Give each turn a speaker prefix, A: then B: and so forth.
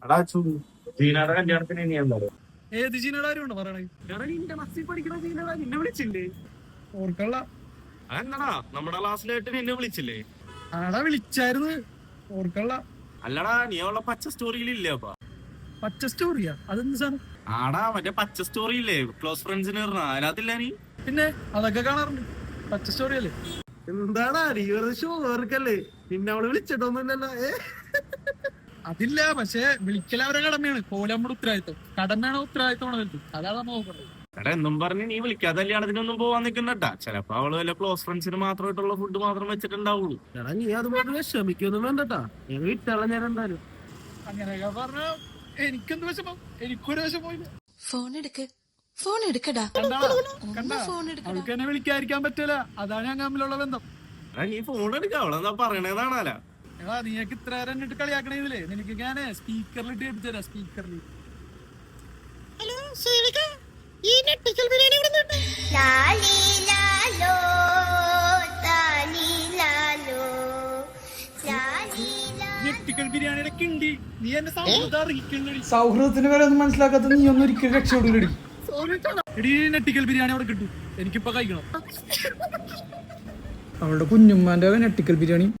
A: എടാ ജീനയുടെ കല്യാണത്തിന് ഇനി എന്താ
B: ഏത് ചീനയുടെ കാര്യമുണ്ടോ പറയണേ?
A: നിന്റെ ബസ്സിൽ പഠിക്കണ ജീനടാ നിന്നെ വിളിച്ചില്ലേ?
B: ഓർക്കള്ള
A: അതെന്താടാ നമ്മുടെ ക്ലാസ്സിലായിട്ട് നിന്നെ വിളിച്ചില്ലേ?
B: ആടാ വിളിച്ചായിരുന്നു, ഓർക്കള്ള.
A: അല്ലടാ നീ അവളെ പച്ച സ്റ്റോറിയിലില്ലേ? അപ്പൊ
B: പച്ച സ്റ്റോറിയാ? അതെന്ത് സാധനം?
A: ആടാ മറ്റേ പച്ച സ്റ്റോറി ഇല്ലേ ക്ലോസ് ഫ്രണ്ട്സിന് അതിനകത്തില്ല നീ?
B: പിന്നെ അതൊക്കെ കാണാറുണ്ട്. പച്ച സ്റ്റോറി അല്ലേ?
A: എന്താടാ നീ വെറുതെ ഷോ ഓർക്കല്ലേ? നിന്നെ അവള് വിളിച്ചിട്ടൊന്നുമില്ലല്ലോ.
B: അതില്ല, പക്ഷെ വിളിക്കൽ അവരെ കടമയാണ്. പോലെ നമ്മുടെ ഉത്തരവാദിത്വം. കടമയാണോ ഉത്തരവാദിത്വമാണോ വലുത്? അതാ നമ്മ നോക്കണ്ടത്.
A: എടാ എന്നും പറഞ്ഞ് നീ വിളിക്കാതെ കല്യാണത്തിനൊന്നും പോവാൻ നിൽക്കണ്ടട്ടാ. ചിലപ്പോ അവള് വല്ല ക്ലോസ് ഫ്രണ്ട്സിന് മാത്രമായിട്ടുള്ള ഫുഡ് മാത്രം വെച്ചിട്ടുണ്ടാവുള്ളൂ. എടാ നീ അതുപോലെ വിഷമിക്കൊന്നും വേണ്ടട്ടാ. നീ വിട്ടള ഞാൻ എന്തായാലും.
B: അങ്ങനെയൊക്കെ പറഞ്ഞ എനിക്കെന്ത് വിഷമം? എനിക്കൊരു വിഷമമില്ല.
C: ഫോൺ എടുക്കടാ.
B: കണ്ടാ അവൾക്ക് എന്നെ വിളിക്കാതിരിക്കാൻ പറ്റൂല. അതാണ് ഞാൻ തമ്മിലുള്ള ബന്ധം.
A: എടാ നീ ഫോൺ എടുക്ക, അവളെന്താ പറയണേതാണാല.
B: എടാ നീയൊക്കെ ഇത്ര നേരം എന്നിട്ട് കളിയാക്കണേതില്ലേ? നിനക്ക് ഞാൻ സ്പീക്കറിലിട്ട് കേൾപ്പിച്ചു തരാം. സ്പീക്കറിൽ ഞെട്ടിക്കൽ ബിരിയാണിയുടെ കിണ്ടി. നീ എന്നെ
D: സൗഹൃദത്തിന് വരെ ഒന്നും മനസ്സിലാക്കാത്ത നീ ഒന്നും ഒരിക്കലും രക്ഷപ്പെടില്ലടി.
B: എടീ ഞെട്ടിക്കൽ ബിരിയാണി അവിടെ കിട്ടും, എനിക്കിപ്പോ കഴിക്കണം.
D: അവളുടെ കുഞ്ഞുമ്മാന്റെ നെട്ടിക്കൽ ബിരിയാണി